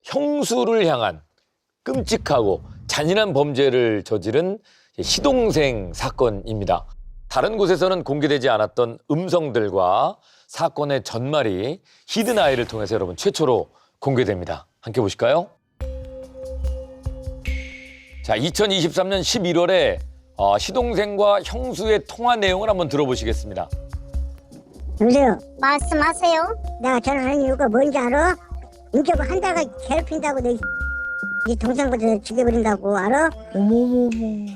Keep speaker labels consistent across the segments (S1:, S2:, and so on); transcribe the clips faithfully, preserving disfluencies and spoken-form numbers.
S1: 형수를 향한 끔찍하고 잔인한 범죄를 저지른 시동생 사건입니다. 다른 곳에서는 공개되지 않았던 음성들과 사건의 전말이 히든아이를 통해서 여러분 최초로 공개됩니다. 함께 보실까요? 자, 이천이십삼 년 십일월에 어, 시동생과 형수의 통화 내용을 한번 들어보시겠습니다.
S2: 여보세요.
S3: 말씀하세요.
S2: 내가 전화하는 이유가 뭔지 알아? 인격을 한 달간 괴롭힌다고 내 이 동생부터 죽여버린다고 알아?
S4: 어머머머.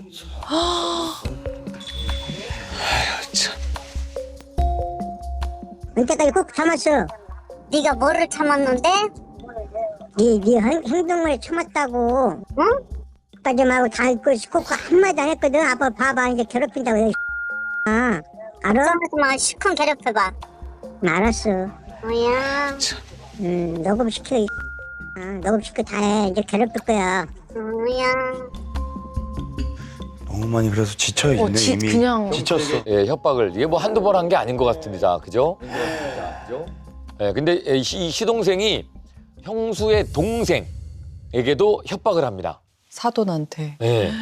S2: 언제까지 꼭 참았어.
S3: 네가 뭐를 참았는데?
S2: 네, 네 행- 행동을 참았다고.
S3: 응?
S2: 까지 말고 다 있고 꼭 한마디 안 했거든. 아빠 봐봐 이제 괴롭힌다고. 내 아, 알아?
S3: 좀만 시큰 괴롭혀봐.
S2: 알았어.
S3: 뭐야?
S2: 음, 녹음시켜. 이 아, 녹음시켜 다 해. 이제 괴롭힐 거야.
S3: 뭐야?
S5: 너무 많이 그래서 지쳐 있네
S4: 어, 지,
S5: 이미.
S4: 그냥
S5: 지쳤어.
S1: 예, 협박을 이게 뭐 한두 번 한 게 아닌 것 같습니다. 그죠? 그죠? 예, 근데 이 시- 이 시동생이 형수의 동생에게도 협박을 합니다.
S4: 사돈한테.
S1: 예.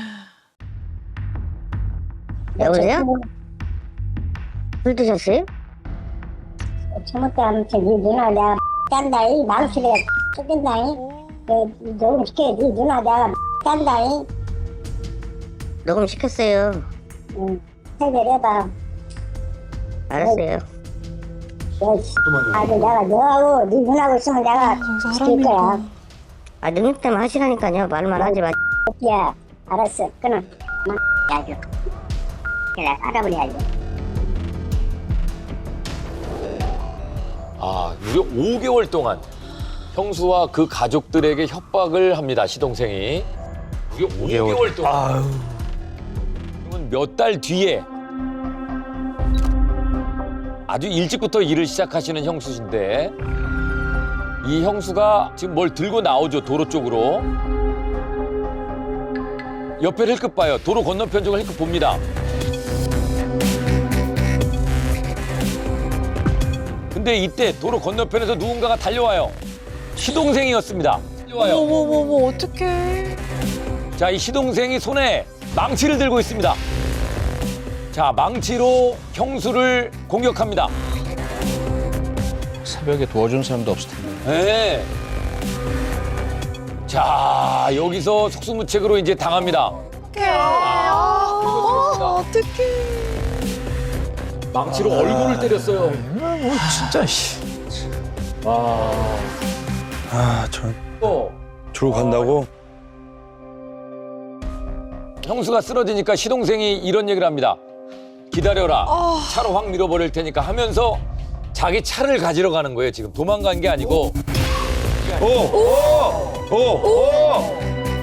S3: 여보세요? 술 드셨어요?
S2: 잘못도 아무튼 네 누나 내가 딴다. 이 망치를 쏟긴다. 녹음시켜. 네 누나 내가 딴다.
S3: 녹음 시켰어요.
S2: 응. 해결해봐.
S3: 알았어요.
S2: 아주 내가 너하고 네 누나하고 있으면 내가
S4: 저기서
S2: 시킬
S4: 사람이
S2: 거야.
S4: 있구나.
S3: 아, 능력 때문에 하시라니까요. 말만 하지 마.
S2: 야, 알았어. 끊어. 아주. 그래, 알아버려야지.
S1: 아, 무려 오 개월 동안 형수와 그 가족들에게 협박을 합니다. 시동생이. 무려 오 개월 동안.
S5: 아유.
S1: 몇 달 뒤에 아주 일찍부터 일을 시작하시는 형수신데 이 형수가 지금 뭘 들고 나오죠. 도로 쪽으로. 옆에 힐끗 봐요. 도로 건너편 쪽을 힐끗 봅니다. 근데 이때 도로 건너편에서 누군가가 달려와요. 시동생이었습니다. 달려와요.
S4: 어머머머, 어떡해.
S1: 자, 이 시동생이 손에 망치를 들고 있습니다. 자, 망치로 형수를 공격합니다.
S6: 새벽에 도와준 사람도 없을 텐데.
S1: 네. 자, 여기서 속수무책으로 이제 당합니다.
S4: 어떡해. 아, 어, 어떡해.
S1: 망치로 얼굴을 때렸어요.
S6: 뭐 진짜 씨.
S5: 아, 전
S1: 또
S5: 주로 간다고?
S1: 형수가 쓰러지니까 시동생이 이런 얘기를 합니다. 기다려라. 차로 확 밀어버릴 테니까 하면서 자기 차를 가지러 가는 거예요. 지금 도망간 게 아니고.
S5: 오! 오! 오! 오!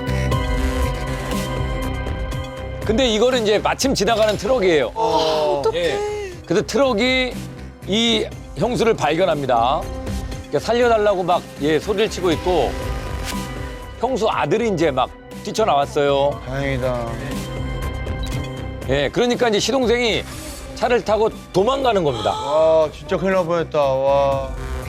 S1: 근데 이거는 이제 마침 지나가는 트럭이에요.
S4: 어떡해.
S1: 예. 그래서 트럭이 이 형수를 발견합니다. 그러니까 살려달라고 막 예, 소리를 치고 있고 형수 아들이 이제 막 뛰쳐나왔어요.
S5: 다행이다.
S1: 예, 그러니까 이제 시동생이 차를 타고 도망가는 겁니다.
S5: 와, 진짜 큰일 날 뻔했다. 와.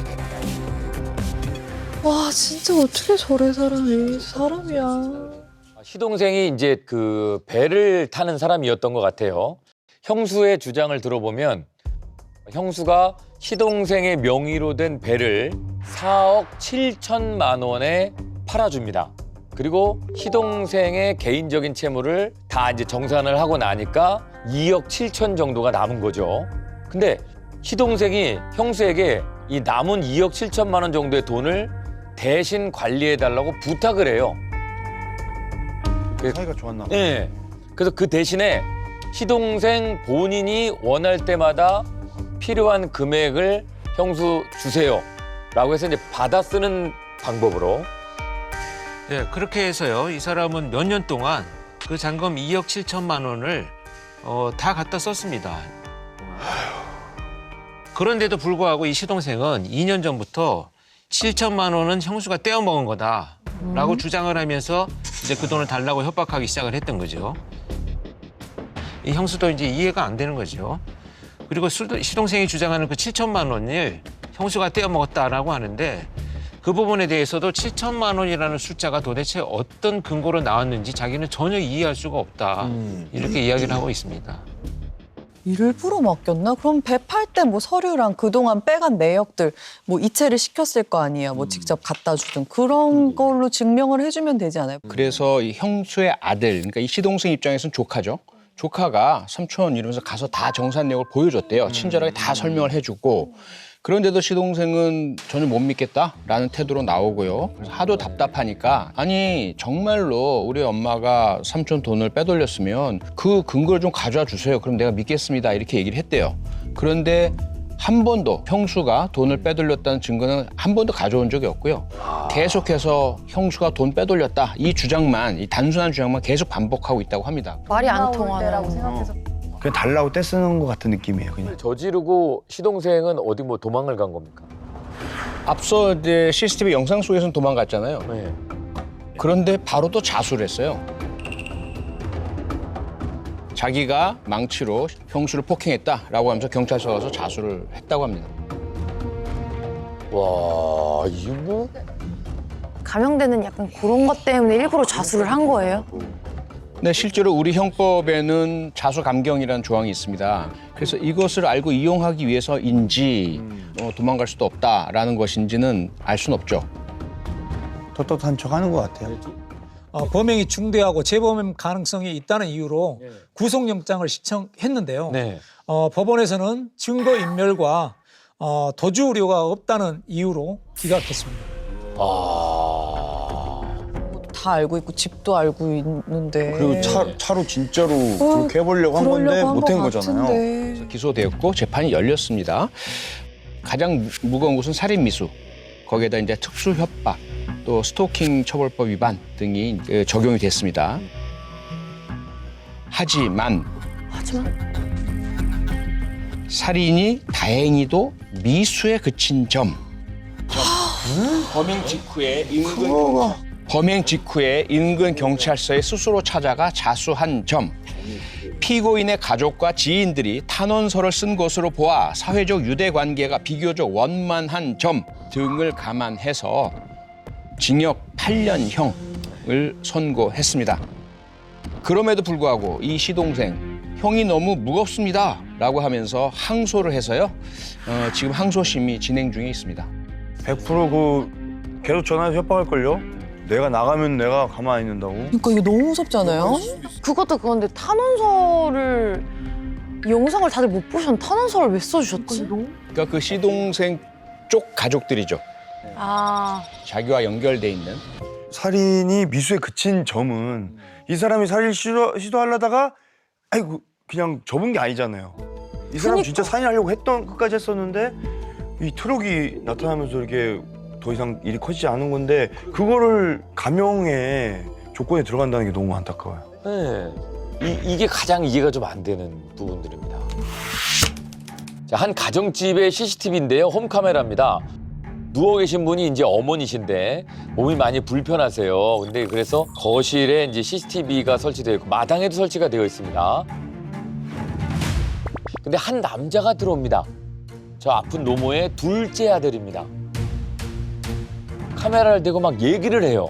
S4: 와, 진짜 어떻게 저래, 사람이. 사람이야.
S1: 시동생이 이제 그 배를 타는 사람이었던 것 같아요. 형수의 주장을 들어보면 형수가 시동생의 명의로 된 배를 사억 칠천만 원에 팔아줍니다. 그리고 시동생의 개인적인 채무를 다 이제 정산을 하고 나니까 이억 칠천 정도가 남은 거죠. 근데 시동생이 형수에게 이 남은 이억 칠천만 원 정도의 돈을 대신 관리해달라고 부탁을 해요.
S5: 사이가 좋았나 봐.
S1: 네. 그래서 그 대신에 시동생 본인이 원할 때마다 필요한 금액을 형수 주세요. 라고 해서 이제 받아 쓰는 방법으로.
S7: 네, 그렇게 해서요. 이 사람은 몇 년 동안 그 잔금 이억 칠천만 원을 어, 다 갖다 썼습니다. 그런데도 불구하고 이 시동생은 이 년 전부터 칠천만 원은 형수가 떼어먹은 거다라고
S4: 음.
S7: 주장을 하면서 이제 그 돈을 달라고 협박하기 시작을 했던 거죠. 이 형수도 이제 이해가 안 되는 거죠. 그리고 시동생이 주장하는 그 칠천만 원을 형수가 떼어먹었다라고 하는데 그 부분에 대해서도 칠천만 원이라는 숫자가 도대체 어떤 근거로 나왔는지 자기는 전혀 이해할 수가 없다. 이렇게 이야기를 하고 있습니다.
S4: 일부러 맡겼나? 그럼 배 팔 때 뭐 서류랑 그동안 빼간 내역들 뭐 이체를 시켰을 거 아니에요. 뭐 직접 갖다 주든 그런 걸로 증명을 해주면 되지 않아요?
S6: 그래서 이 형수의 아들, 그러니까 이 시동생 입장에서는 조카죠. 조카가 삼촌 이러면서 가서 다 정산 내역을 보여줬대요. 친절하게 다 설명을 해주고. 그런데도 시동생은 전혀 못 믿겠다라는 태도로 나오고요. 그래서 하도 답답하니까 아니 정말로 우리 엄마가 삼촌 돈을 빼돌렸으면 그 근거를 좀 가져와 주세요. 그럼 내가 믿겠습니다. 이렇게 얘기를 했대요. 그런데 한 번도 형수가 돈을 빼돌렸다는 증거는 한 번도 가져온 적이 없고요. 계속해서 형수가 돈 빼돌렸다. 이 주장만, 이 단순한 주장만 계속 반복하고 있다고 합니다.
S8: 말이 안 통하는.
S5: 그냥 달라고 떼쓰는 것 같은 느낌이에요. 그냥.
S1: 저지르고 시동생은 어디 뭐 도망을 간 겁니까?
S6: 앞서 이제 씨씨티비 영상 속에서는 도망갔잖아요.
S1: 네.
S6: 그런데 바로 또 자수를 했어요. 자기가 망치로 형수를 폭행했다라고 하면서 경찰서 가서 자수를 했다고 합니다.
S1: 와, 이거 뭐?
S8: 감형되는 약간 그런 것 때문에 일부러 자수를 한 거예요?
S6: 네, 실제로 우리 형법에는 자수 감경이라는 조항이 있습니다. 그래서 이것을 알고 이용하기 위해서인지 어, 도망갈 수도 없다라는 것인지는 알 수는 없죠.
S5: 떳떳한 척 하는 것 같아요.
S9: 어, 범행이 중대하고 재범행 가능성이 있다는 이유로
S1: 네.
S9: 구속영장을 신청했는데요.
S1: 네.
S9: 어, 법원에서는 증거인멸과 어, 도주 우려가 없다는 이유로 기각했습니다.
S1: 아.
S4: 다 알고 있고 집도 알고 있는데.
S5: 그리고 차, 차로 진짜로
S4: 어,
S5: 그렇게 해보려고 한 건데
S4: 그러려고 한
S5: 못한
S4: 것
S5: 거잖아요.
S4: 같은데.
S6: 기소되었고 재판이 열렸습니다. 가장 무- 무거운 것은 살인 미수, 거기에다 이제 특수 협박, 또 스토킹 처벌법 위반 등이 그 적용이 됐습니다. 하지만
S8: 하지만
S6: 살인이 다행히도 미수에 그친 점. 범행 직후에 인근 범행 직후에 인근 경찰서에 스스로 찾아가 자수한 점. 피고인의 가족과 지인들이 탄원서를 쓴 것으로 보아 사회적 유대 관계가 비교적 원만한 점 등을 감안해서 징역 팔 년형을 선고했습니다. 그럼에도 불구하고 이 시동생 형이 너무 무겁습니다 라고 하면서 항소를 해서요. 어, 지금 항소심이 진행 중에 있습니다.
S5: 백 퍼센트 그 계속 전화해서 협박할걸요? 내가 나가면 내가 가만히 있는다고?
S4: 그러니까 이거 너무 무섭잖아요.
S8: 그것도 그건데 탄원서를 이 영상을 다들 못 보셨는데 탄원서를 왜 써주셨지?
S6: 그러니까 그 시동생 쪽 가족들이죠.
S8: 아
S6: 자기와 연결돼 있는.
S5: 살인이 미수에 그친 점은 이 사람이 살인 시도, 시도하려다가 아이고 그냥 접은 게 아니잖아요. 이 사람 진짜 살인하려고 했던 끝까지 했었는데 이 트럭이 나타나면서 이렇게 더 이상 일이 커지지 않은 건데 그거를 감형의 조건에 들어간다는 게 너무 안타까워요.
S1: 네. 이, 이게 가장 이해가 좀 안 되는 부분들입니다. 자, 한 가정집의 씨씨티비인데요. 홈카메라입니다. 누워 계신 분이 이제 어머니신데 몸이 많이 불편하세요. 근데 그래서 거실에 이제 씨씨티비가 설치되어 있고 마당에도 설치가 되어 있습니다. 근데 한 남자가 들어옵니다. 저 아픈 노모의 둘째 아들입니다. 카메라를 대고 막 얘기를 해요.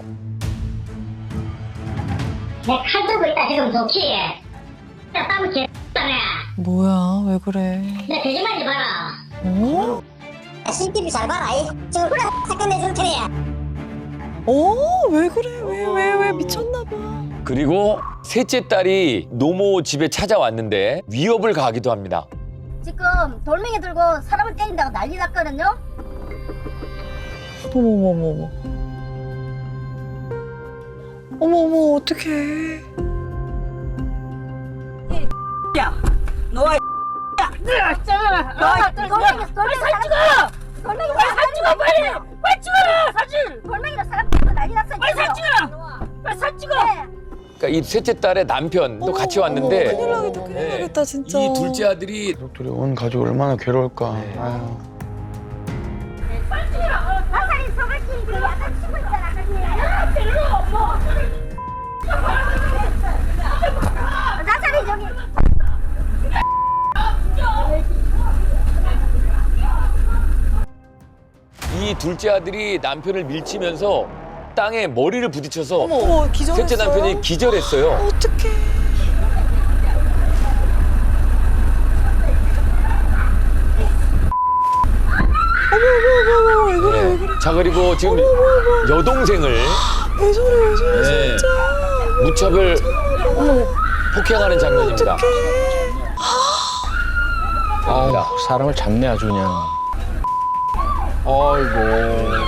S2: 내 칼 들고 있다 지금 좋지? 나 땀을 개X다네.
S4: 뭐야, 왜 그래?
S2: 내 거짓말하지 마라.
S4: 어?
S2: 씨씨티비 잘 봐라. 이 지금 그래 사건 내줄 테니.
S4: 어? 왜 그래? 왜, 왜, 왜 미쳤나 봐.
S1: 그리고 셋째 딸이 노모 집에 찾아왔는데 위협을 가하기도 합니다.
S2: 지금 돌멩이 들고 사람을 때린다고 난리 났거든요.
S4: 어머머머머. 어머머, 어떡해.
S2: 너 돌멩이 돌멩이 살 찍어. 돌멩이 살 찍어 빨리. 빨리 찍어 사진. 돌멩이로 사람 때리고 난리 났어. 빨리 살 찍어. 빨리 살 찍어.
S1: 그러니까 이 셋째 딸의 남편도
S4: 어머,
S1: 같이 왔는데
S4: 어머, 큰일 나겠다, 큰일
S1: 네.
S4: 나겠다, 진짜.
S1: 이 둘째 아들이
S5: 가족들이 온 가족 얼마나 괴로울까. 아유.
S2: 화살이 소갈끼리 그 약간 치고 있잖아. 야 때려 뭐. 화살이 저기.
S1: 이 둘째 아들이 남편을 밀치면서 땅에 머리를 부딪혀서
S4: 어머, 기절했어요?
S1: 셋째 남편이 기절했어요.
S4: 어떡해. 어머, 어머, 어머, 왜 그래, 왜 그래.
S1: 자, 그리고 지금 여동생을
S4: 왜 저래, 왜 저래,
S1: 네,
S4: 진짜.
S1: 무차별 폭행하는 장면입니다.
S6: 아, 사람을 잡네 아주 그냥. 아이고.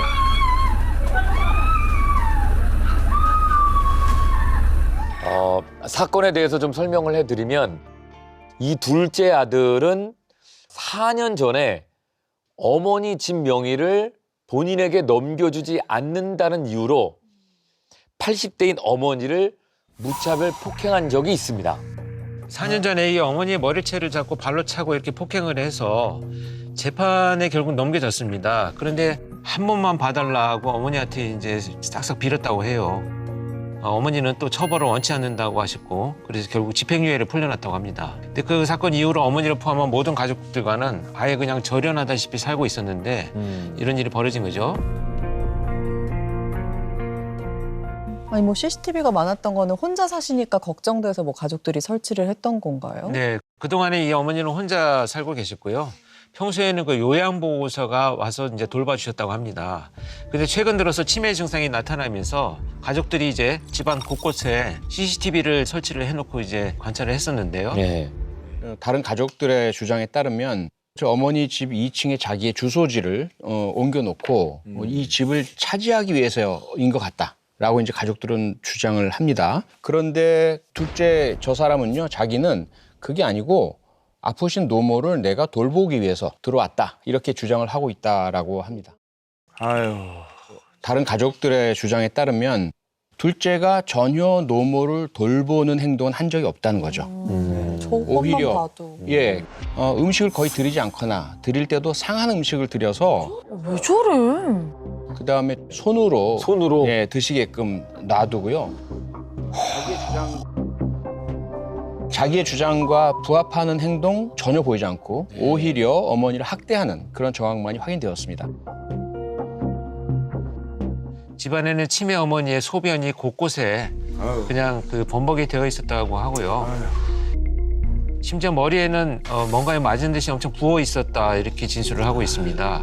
S1: 어, 사건에 대해서 좀 설명을 해드리면 이 둘째 아들은 사 년 전에 어머니 집 명의를 본인에게 넘겨주지 않는다는 이유로 팔십 대인 어머니를 무차별 폭행한 적이 있습니다.
S7: 사 년 전에 이 어머니의 머리채를 잡고 발로 차고 이렇게 폭행을 해서 재판에 결국 넘겨졌습니다. 그런데 한 번만 봐달라고 어머니한테 이제 싹싹 빌었다고 해요. 어, 어머니는 또 처벌을 원치 않는다고 하셨고 그래서 결국 집행유예를 풀려났다고 합니다. 근데 그 사건 이후로 어머니를 포함한 모든 가족들과는 아예 그냥 절연하다시피 살고 있었는데
S1: 음.
S7: 이런 일이 벌어진 거죠.
S4: 아니 뭐 씨씨티비가 많았던 거는 혼자 사시니까 걱정돼서 뭐 가족들이 설치를 했던 건가요?
S7: 네, 그동안에 이 어머니는 혼자 살고 계셨고요. 평소에는 그 요양보호사가 와서 이제 돌봐주셨다고 합니다. 근데 최근 들어서 치매 증상이 나타나면서 가족들이 이제 집안 곳곳에 씨씨티비를 설치를 해놓고 이제 관찰을 했었는데요.
S1: 네.
S6: 다른 가족들의 주장에 따르면 저 어머니 집 이 층에 자기의 주소지를 어, 옮겨놓고 음. 이 집을 차지하기 위해서인 것 같다라고 이제 가족들은 주장을 합니다. 그런데 둘째 저 사람은요, 자기는 그게 아니고 아프신 노모를 내가 돌보기 위해서 들어왔다 이렇게 주장을 하고 있다라고 합니다.
S5: 아유.
S6: 다른 가족들의 주장에 따르면 둘째가 전혀 노모를 돌보는 행동은 한 적이 없다는 거죠.
S4: 음, 저것만
S6: 오히려
S4: 봐도.
S6: 예, 어, 음식을 거의 드리지 않거나 드릴 때도 상한 음식을 드려서
S8: 왜 저래?
S6: 그 다음에 손으로
S1: 손으로
S6: 예, 드시게끔 놔두고요. 자기의 주장 자기의 주장과 부합하는 행동 전혀 보이지 않고 오히려 어머니를 학대하는 그런 정황만이 확인되었습니다.
S7: 집안에는 치매 어머니의 소변이 곳곳에
S5: 아유.
S7: 그냥 그 범벅이 되어 있었다고 하고요. 심지어 머리에는 어, 뭔가에 맞은 듯이 엄청 부어 있었다 이렇게 진술을 하고 있습니다.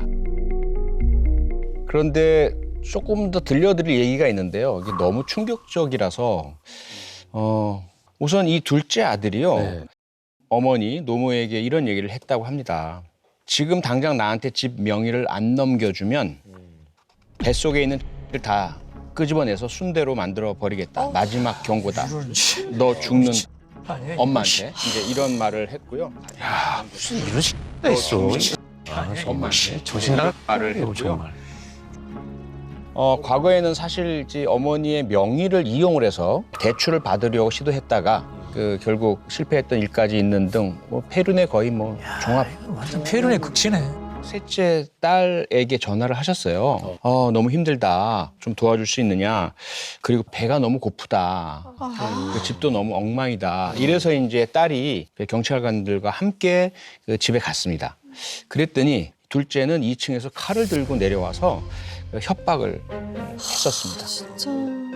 S6: 그런데 조금 더 들려드릴 얘기가 있는데요. 이게 너무 충격적이라서 어, 우선 이 둘째 아들이요.
S1: 네.
S6: 어머니 노모에게 이런 얘기를 했다고 합니다. 지금 당장 나한테 집 명의를 안 넘겨주면 뱃속에 있는 를 다 끄집어내서 순대로 만들어 버리겠다. 마지막 경고다. 너 죽는 엄마한테 이제 이런 말을 했고요.
S7: 야, 무슨 이런 X가 있어. 아,
S6: 엄마한테
S7: 정신 나갈
S6: 말을 했고요.
S7: 정말.
S6: 어, 과거에는 사실 이제 어머니의 명의를 이용을 해서 대출을 받으려고 시도했다가 그 결국 실패했던 일까지 있는 등 뭐 폐륜의 거의 뭐 종합.
S9: 완전 폐륜의 극치네.
S6: 셋째 딸에게 전화를 하셨어요. 어, 너무 힘들다. 좀 도와줄 수 있느냐. 그리고 배가 너무 고프다. 그 집도 너무 엉망이다. 이래서 이제 딸이 경찰관들과 함께 그 집에 갔습니다. 그랬더니 둘째는 이 층에서 칼을 들고 내려와서 협박을 했었습니다.
S4: 진짜.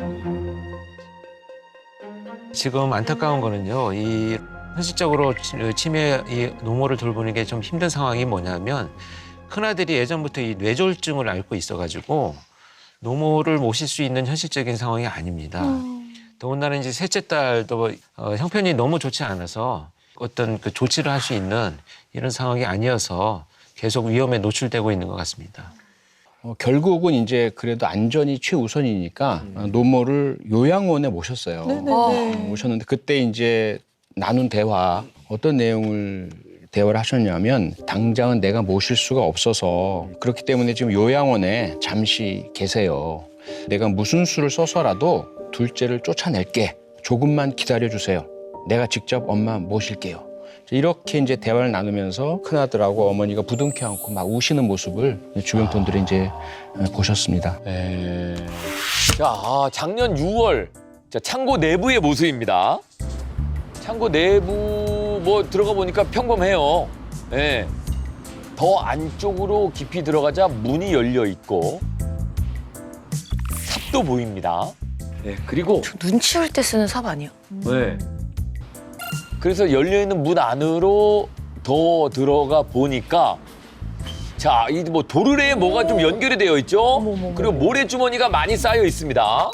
S7: 지금 안타까운 거는요. 이 현실적으로 치매 이 노모를 돌보는 게 좀 힘든 상황이 뭐냐면 큰아들이 예전부터 이 뇌졸중을 앓고 있어가지고 노모를 모실 수 있는 현실적인 상황이 아닙니다. 음. 더군다나 이제 셋째 딸도 어, 형편이 너무 좋지 않아서 어떤 그 조치를 할 수 있는 이런 상황이 아니어서 계속 위험에 노출되고 있는 것 같습니다.
S6: 어, 결국은 이제 그래도 안전이 최우선이니까 음. 노모를 요양원에 모셨어요.
S4: 네네네.
S6: 어, 모셨는데 그때 이제 나눈 대화 어떤 내용을 대화를 하셨냐면 당장은 내가 모실 수가 없어서 그렇기 때문에 지금 요양원에 잠시 계세요. 내가 무슨 수를 써서라도 둘째를 쫓아낼게. 조금만 기다려주세요. 내가 직접 엄마 모실게요. 이렇게 이제 대화를 나누면서 큰아들하고 어머니가 부둥켜 안고 막 우시는 모습을 주변 분들이 이제 보셨습니다.
S1: 네. 자, 아, 작년 유월 자, 창고 내부의 모습입니다. 창고 내부 뭐 들어가 보니까 평범해요. 예. 더 안쪽으로 깊이 들어가자 문이 열려 있고 삽도 보입니다. 네, 그리고
S8: 눈 치울 때 쓰는 삽 아니야?
S1: 네. 그래서 열려 있는 문 안으로 더 들어가 보니까 자, 이 뭐 도르래에 뭐가 좀 연결이 되어 있죠?
S4: 어머머머.
S1: 그리고 모래 주머니가 많이 쌓여 있습니다.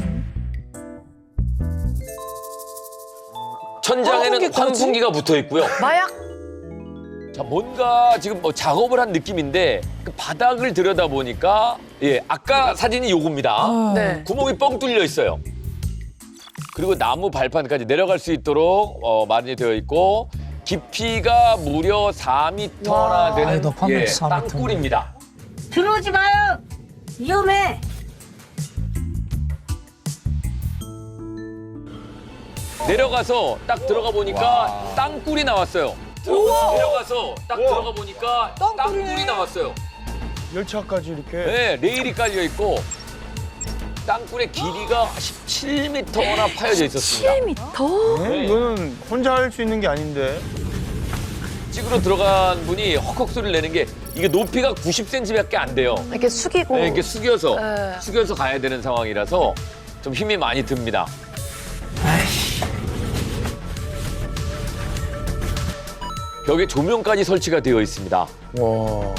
S1: 천장에는
S4: 환풍기까지?
S1: 환풍기가 붙어 있고요.
S8: 마약?
S1: 자, 뭔가 지금 뭐 작업을 한 느낌인데 그 바닥을 들여다 보니까 예, 아까 사진이 요겁니다.
S8: 네.
S1: 구멍이 뻥 뚫려 있어요. 그리고 나무 발판까지 내려갈 수 있도록 어, 마련이 되어 있고 깊이가 무려 사 미터나 되는
S9: 아이, 높았네,
S1: 예,
S9: 사 미터.
S1: 땅굴입니다.
S2: 들어오지 마요. 위험해.
S1: 내려가서 딱 들어가 보니까 땅굴이 나왔어요. 내려가서 딱 들어가 보니까
S4: 땅굴이네.
S1: 땅굴이 나왔어요.
S5: 열차까지 이렇게.
S1: 네, 레일이 깔려 있고 땅굴의 길이가 십칠 미터나 파여져 있었습니다.
S8: 칠 미터?
S5: 네? 이거는 혼자 할 수 있는 게 아닌데.
S1: 찍으러 들어간 분이 헉헉 소리를 내는 게 이게 높이가 구십 센티미터밖에 안 돼요.
S8: 이렇게 숙이고.
S1: 네, 이렇게 숙여서
S8: 네.
S1: 숙여서 가야 되는 상황이라서 좀 힘이 많이 듭니다. 벽에 조명까지 설치가 되어 있습니다.
S5: 와.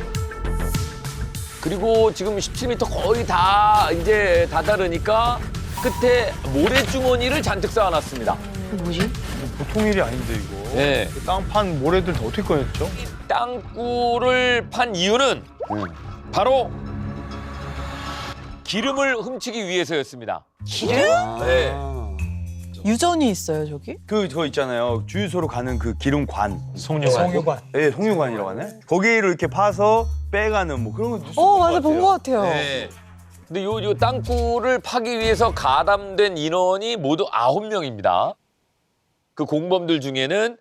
S1: 그리고 지금 십칠 미터 거의 다 이제 다다르니까 끝에 모래주머니를 잔뜩 쌓아놨습니다.
S8: 뭐지?
S5: 보통 일이 아닌데 이거.
S1: 네.
S5: 그 땅판 모래들 다 어떻게 꺼냈죠?
S1: 땅굴을 판 이유는 바로 기름을 훔치기 위해서였습니다.
S8: 기름?
S1: 네.
S4: 유전이 있어요 저기?
S5: 그 저 있잖아요. 주유소로 가는 그 기름관.
S7: 송유관.
S9: 송유관.
S5: 예, 송유관이라고 하네. 거기를 이렇게 파서 빼가는 뭐 그런 거 뉴스
S4: 어
S5: 본것
S4: 맞아 본
S5: 같아요.
S4: 것 같아요.
S1: 네. 근데 요, 요 땅굴을 파기 위해서 가담된 인원이 모두 아홉 명입니다. 그 공범들 중에는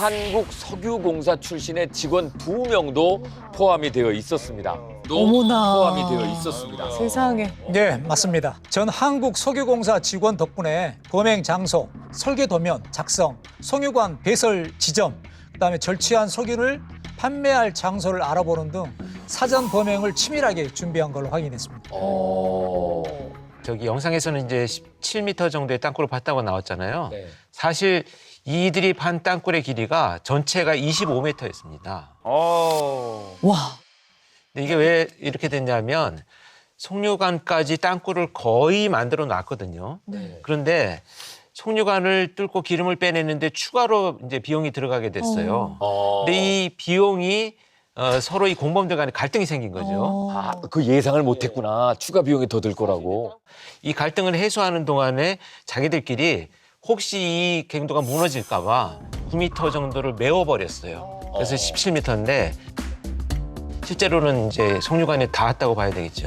S1: 한국석유공사 출신의 직원 두 명도 포함이 되어 있었습니다. 또
S4: 어머나.
S1: 포함이 되어 있었습니다.
S4: 세상에.
S9: 네, 맞습니다. 전 한국석유공사 직원 덕분에 범행 장소, 설계 도면 작성, 송유관 배설 지점, 그다음에 절취한 석유를 판매할 장소를 알아보는 등 사전 범행을 치밀하게 준비한 걸로 확인했습니다.
S1: 어...
S7: 저기 영상에서는 이제 십칠 미터 정도의 땅굴을 봤다고 나왔잖아요.
S1: 네.
S7: 사실 이들이 판 땅굴의 길이가 전체가 이십오 미터였습니다.
S5: 어.
S4: 와.
S7: 근데 이게 왜 이렇게 됐냐면 송유관까지 땅굴을 거의 만들어 놨거든요.
S1: 네.
S7: 그런데 송유관을 뚫고 기름을 빼내는데 추가로 이제 비용이 들어가게 됐어요.
S1: 어...
S7: 근데 이 비용이 어, 서로 이 공범들 간에 갈등이 생긴 거죠.
S4: 어.
S1: 아, 그 예상을 못했구나. 추가 비용이 더 들 거라고.
S7: 이 갈등을 해소하는 동안에 자기들끼리 혹시 이 갱도가 무너질까 봐 구 미터 정도를 메워버렸어요. 그래서
S1: 어.
S7: 십칠 미터인데 실제로는 이제 송유관에 닿았다고 봐야 되겠죠.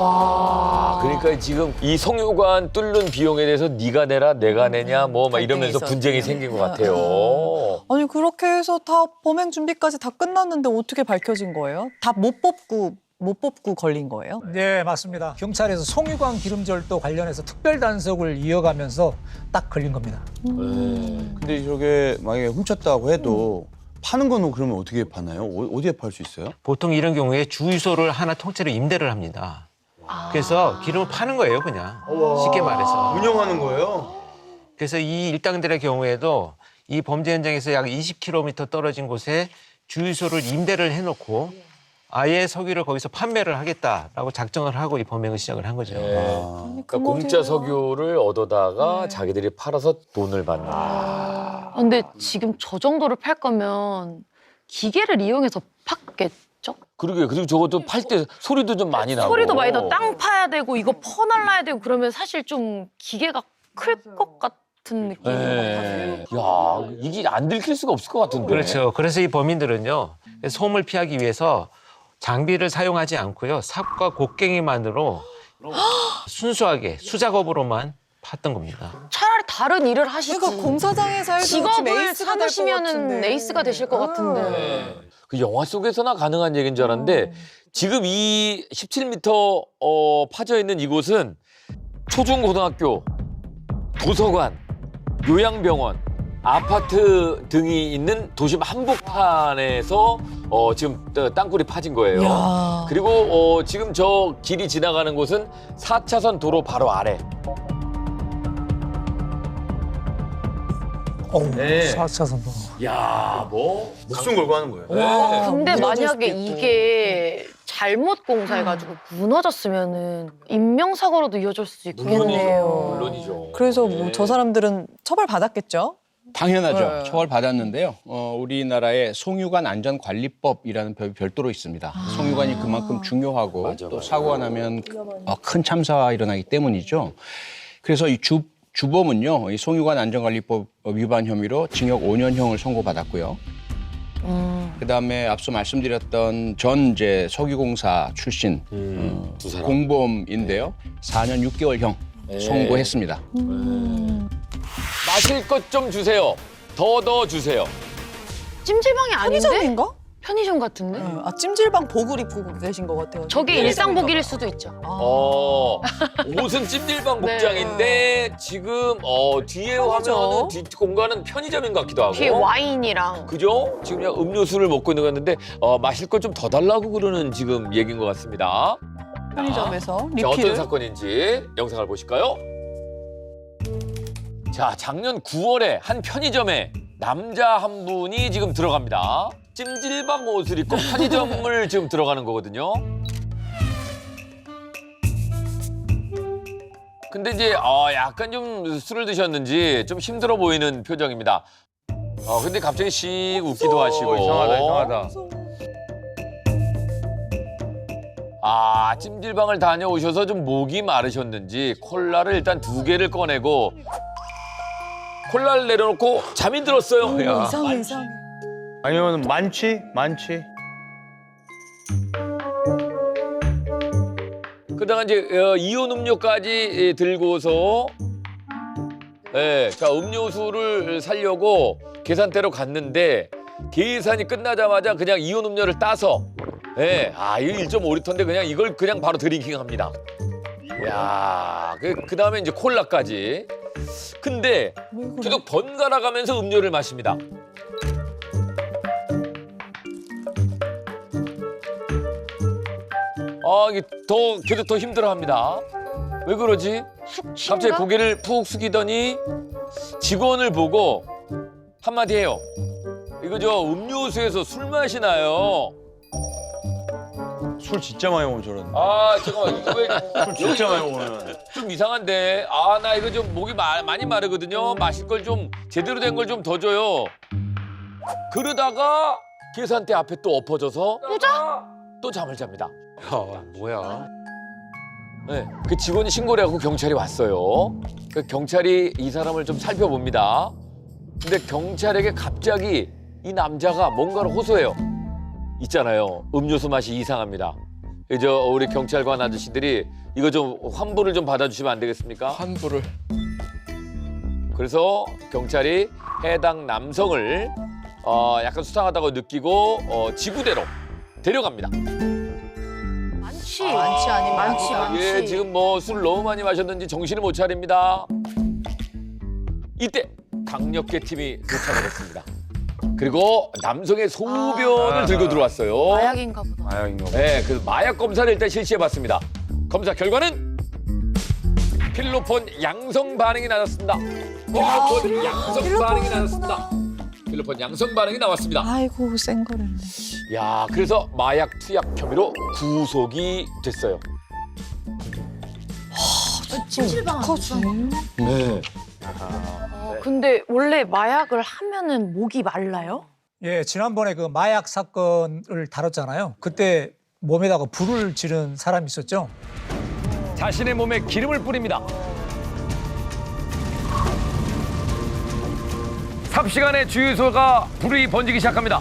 S1: 아, 그러니까 지금 이 송유관 뚫는 비용에 대해서 네가 내라 내가 내냐 뭐 막 이러면서
S4: 갈등이
S1: 분쟁이
S4: 있었죠.
S1: 생긴 것 같아요.
S4: 아니 그렇게 해서 다 범행 준비까지 다 끝났는데 어떻게 밝혀진 거예요? 다 못 뽑고 못 뽑고 걸린 거예요?
S9: 네, 맞습니다. 경찰에서 송유관 기름절도 관련해서 특별 단속을 이어가면서 딱 걸린 겁니다.
S10: 근데 저게 만약에 훔쳤다고 해도 파는 거는 그러면 어떻게 파나요? 어- 어디에 팔 수 있어요?
S7: 보통 이런 경우에 주유소를 하나 통째로 임대를 합니다. 그래서 기름을 파는 거예요, 그냥. 쉽게 말해서.
S5: 운영하는 거예요?
S7: 그래서 이 일당들의 경우에도 이 범죄 현장에서 약 이십 킬로미터 떨어진 곳에 주유소를 임대를 해놓고 아예 석유를 거기서 판매를 하겠다라고 작정을 하고 이 범행을 시작을 한 거죠.
S1: 네.
S10: 아.
S1: 그러니까 공짜 석유를 얻어다가
S4: 네.
S1: 자기들이 팔아서 돈을 받는.
S8: 아, 근데 지금 저 정도를 팔 거면 기계를 이용해서 팠겠죠?
S1: 그러게 그리고 저것도 팔 때 소리도 좀 많이 나고.
S8: 소리도 많이 나고 땅 파야 되고 이거 퍼날라야 되고 그러면 사실 좀 기계가 클 것 같은 느낌이
S1: 네. 야 이게 안 들킬 수가 없을 것 같은데.
S7: 그렇죠. 그래서 이 범인들은요, 소음을 피하기 위해서 장비를 사용하지 않고요, 삽과 곡괭이만으로 순수하게 수작업으로만 팠던 겁니다.
S8: 차라리 다른 일을 하시지.
S4: 그러니까 공사장에서 해도
S8: 직업을
S4: 에이스가 될것
S8: 삼으시면은
S4: 같은데.
S8: 에이스가 되실 것 같은데.
S1: 네. 그 영화 속에서나 가능한 얘기인 줄 알았는데 지금 이 십칠 미터 어, 파져 있는 이곳은 초중고등학교, 도서관, 요양병원, 아파트 등이 있는 도심 한복판에서 어, 지금 어, 땅굴이 파진 거예요.
S4: 야.
S1: 그리고 어, 지금 저 길이 지나가는 곳은 사 차선 도로 바로 아래.
S9: 어우,
S1: 네.
S9: 사 차선도.
S1: 야, 뭐
S5: 목숨 걸고 하는 거예요.
S1: 네.
S8: 근데
S4: 무너질 수도
S8: 만약에
S4: 있고.
S8: 이게 잘못 공사해가지고 무너졌으면은 인명사고로도 이어질 수 있겠네요.
S1: 물론이죠. 물론이죠.
S4: 그래서 뭐
S1: 네.
S4: 저 사람들은 처벌 받았겠죠?
S6: 당연하죠.
S4: 네.
S6: 처벌 받았는데요. 어, 우리나라에 송유관 안전관리법이라는 법이 별도로 있습니다. 송유관이 그만큼 중요하고
S1: 맞아,
S6: 또
S1: 맞아.
S6: 사고가 나면 어, 큰 참사가 일어나기 때문이죠. 그래서 이 주, 주범은요, 이 송유관 안전관리법 위반 혐의로 징역 오 년형을 선고받았고요.
S8: 음.
S6: 그다음에 앞서 말씀드렸던 전 이제 석유공사 출신
S1: 음, 두 사람.
S6: 공범인데요. 사 년 육 개월형
S1: 네.
S6: 선고했습니다.
S1: 마실 것 좀 주세요. 더 더 주세요.
S8: 찜질방이 아닌데?
S4: 편의점인가?
S8: 편의점 같은데?
S4: 네. 아 찜질방 복을 입고 계신 것 같아요.
S8: 저게
S1: 네.
S8: 일상복일 수도 있죠.
S4: 아.
S1: 어, 옷은 찜질방
S8: 네.
S1: 복장인데 지금 어, 뒤에
S4: 편의점.
S1: 화면은 뒤 공간은 편의점인 것 같기도 하고.
S8: 뒤에 와인이랑
S1: 그죠? 지금 그냥 음료수를 먹고 있는 것 같은데 어, 마실 것 좀 더 달라고 그러는 지금 얘기인 것 같습니다.
S4: 편의점에서
S1: 자, 어떤
S4: 리필을.
S1: 사건인지 영상을 보실까요? 자, 작년 구월에 한 편의점에 남자 한 분이 지금 들어갑니다. 찜질방 옷을 입고 편의점을 지금 들어가는 거거든요. 근데 이제 어, 약간 좀 술을 드셨는지 좀 힘들어 보이는 표정입니다. 어, 근데 갑자기 씩 웃기도 하시고.
S5: 이상하다, 이상하다.
S1: 아, 찜질방을 다녀오셔서 좀 목이 마르셨는지 콜라를 일단 두 개를 꺼내고 콜라를 내려놓고 잠이 들었어요. 야.
S4: 이상해 이상해.
S5: 아니면 만취? 만취?
S1: 그러다가 이제 어, 이온 음료까지 들고서 예, 자 음료수를 사려고 계산대로 갔는데 계산이 끝나자마자 그냥 이온 음료를 따서 예, 아 이거 일 점 오 리터인데 그냥 이걸 그냥 바로 드링킹합니다. 야, 그 그다음에 이제 콜라까지. 근데 계속 번갈아 가면서 음료를 마십니다. 아, 이게 더 계속 더 힘들어합니다. 왜 그러지? 갑자기 고개를 푹 숙이더니 직원을 보고 한마디 해요. 이거 저 음료수에서 술 맛이 나요.
S5: 술 진짜 많이 먹으면 저러는데.
S1: 아, 잠깐만 이거 왜
S5: 술 진짜 많이 먹으면.
S1: 좀 이상한데. 아, 나 이거 좀 목이 마, 많이 마르거든요. 마실 걸 좀 제대로 된 걸 좀 더 줘요. 그러다가 계산대 앞에 또 엎어져서 또 잠을 잡니다.
S7: 야, 뭐야.
S1: 네, 그 직원이 신고를 하고 경찰이 왔어요. 그 경찰이 이 사람을 좀 살펴봅니다. 근데 경찰에게 갑자기 이 남자가 뭔가를 호소해요. 있잖아요. 음료수 맛이 이상합니다. 이제 우리 경찰관 아저씨들이 이거 좀 환불을 좀 받아주시면 안 되겠습니까?
S6: 환불을.
S1: 그래서 경찰이 해당 남성을 어, 약간 수상하다고 느끼고 어, 지구대로 데려갑니다.
S8: 많지.
S4: 많지 아니면
S8: 많지,
S4: 아니다.
S8: 많지.
S1: 예, 지금 뭐 술 너무 많이 마셨는지 정신을 못 차립니다. 이때 강력계 팀이 도착을 했습니다. 그리고 남성의 소변을
S5: 아.
S1: 들고 들어왔어요.
S8: 마약인가 보다.
S5: 마약인가 봐.
S1: 네, 그 마약 검사를 일단 실시해봤습니다. 검사 결과는 필로폰 양성 반응이 나왔습니다. 필로폰 양성 반응이 나왔습니다. 필로폰 양성 반응이 나왔습니다.
S4: 아이고 센 거를.
S1: 야, 그래서 마약 투약 혐의로 구속이 됐어요.
S8: 찜질방
S4: 커지.
S1: 네.
S8: 어, 근데 원래 마약을 하면은 목이 말라요?
S9: 예, 지난번에 그 마약 사건을 다뤘잖아요. 그때 몸에다가 불을 지른 사람이 있었죠.
S1: 자신의 몸에 기름을 뿌립니다. 삽시간에 주유소가 불이 번지기 시작합니다.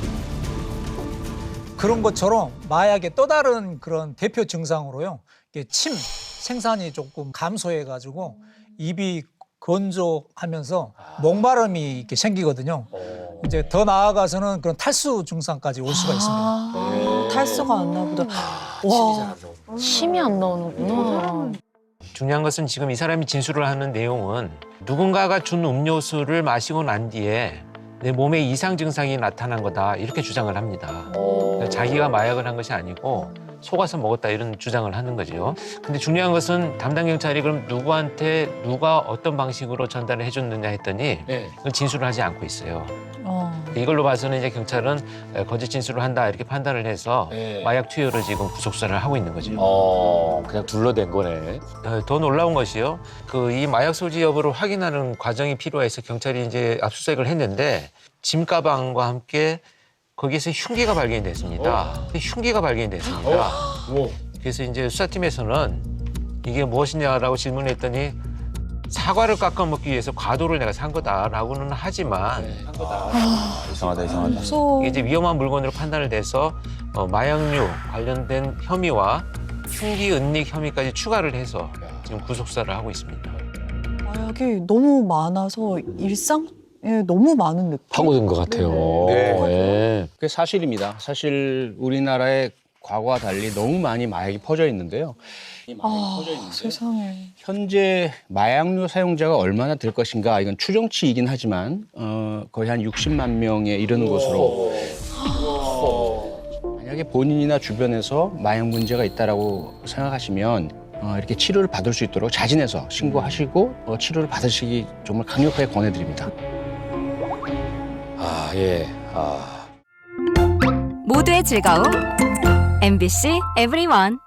S9: 그런 것처럼 마약의 또 다른 그런 대표 증상으로요. 이게 침 생산이 조금 감소해가지고 입이 건조하면서 목마름이 이렇게 생기거든요. 이제 더 나아가서는 그런 탈수 증상까지 올 수가 있습니다.
S4: 아, 탈수가 안 나보다. 와.
S8: 침이 안 나오는구나.
S7: 중요한 것은 지금 이 사람이 진술을 하는 내용은 누군가가 준 음료수를 마시고 난 뒤에 내 몸에 이상 증상이 나타난 거다 이렇게 주장을 합니다.
S1: 어.
S7: 자기가 마약을 한 것이 아니고 속아서 먹었다 이런 주장을 하는 거죠. 근데 중요한 것은 담당 경찰이 그럼 누구한테 누가 어떤 방식으로 전달을 해줬느냐 했더니
S6: 네.
S7: 그건 진술을 하지 않고 있어요.
S4: 어.
S7: 이걸로 봐서는 이제 경찰은 거짓 진술을 한다 이렇게 판단을 해서
S6: 네.
S7: 마약 투여를 지금 구속수사를 하고 있는 거죠.
S1: 어, 그냥 둘러댄 거네.
S7: 어, 더 놀라운 것이요. 그 이 마약 소지 여부를 확인하는 과정이 필요해서 경찰이 이제 압수수색을 했는데 짐 가방과 함께 거기에서 흉기가 발견이 됐습니다. 흉기가 발견이 됐습니다. 그래서 이제 수사팀에서는 이게 무엇이냐라고 질문했더니 사과를 깎아 먹기 위해서 과도를 내가 산 거다라고는 하지만
S10: 이상하다 이상하다.
S4: 무서워.
S7: 이게 이제 위험한 물건으로 판단을 돼서 어, 마약류 관련된 혐의와 흉기 은닉 혐의까지 추가를 해서 지금 구속 수사를 하고 있습니다.
S4: 마약이 너무 많아서 일상에 너무 많은 느낌.
S1: 파고든 것 같아요.
S6: 네.
S1: 예.
S6: 그게 사실입니다. 사실 우리나라의 과거와 달리 너무 많이 마약이 퍼져 있는데요. 이 마약이
S4: 아,
S6: 퍼져 있는데
S4: 세상에.
S6: 현재 마약류 사용자가 얼마나 될 것인가 이건 추정치이긴 하지만 어, 거의 한 육십만 명에 이르는 것으로 만약에 본인이나 주변에서 마약 문제가 있다라고 생각하시면 어, 이렇게 치료를 받을 수 있도록 자진해서 신고하시고 어, 치료를 받으시기 정말 강력하게 권해드립니다.
S1: 아, 예. 아.
S11: 모두의 즐거움 엠비씨 에브리원.